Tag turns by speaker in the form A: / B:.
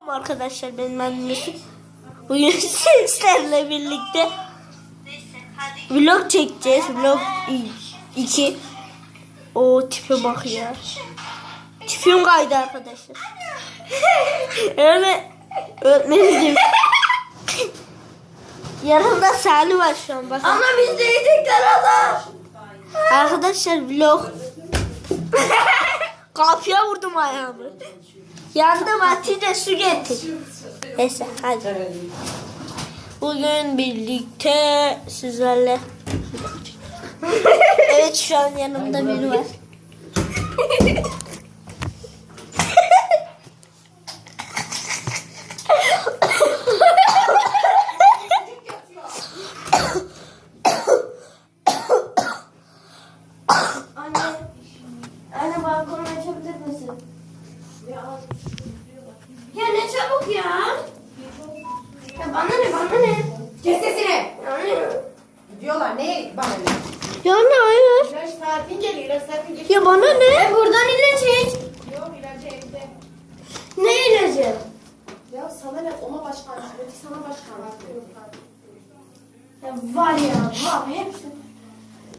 A: Arkadaşlar benim annesi bugün sizlerle birlikte vlog çekeceğiz. Vlog 2. O tipe bak ya. Tipim kaydı arkadaşlar. Öyle öğretmenim. Yanımda Salih var şu an bakın.
B: Ama biz de yedikler adam.
A: Arkadaşlar vlog. Kapıya vurdum ayağımı. Yandım Hatice su getir. Neyse hadi. Bugün birlikte sizlerle. Evet şu an yanımda biri var.
B: Anne balkonu açabilir misin? Ya ne çabuk ya. Ya bana ne?
C: Kes sesini.
B: Yani.
C: Diyorlar ne bana ne?
A: Ya ne hayır.
C: İlaç saatin geliyor. İlaç saatin geliyor.
A: Ya bana ne?
B: Buradan ilaç iç.
C: Yok ilacı evde.
B: Ne ilacı?
C: Ya sana ne? Oma başkan. Öteki sana başkan.
B: Ya var ya var hepsi.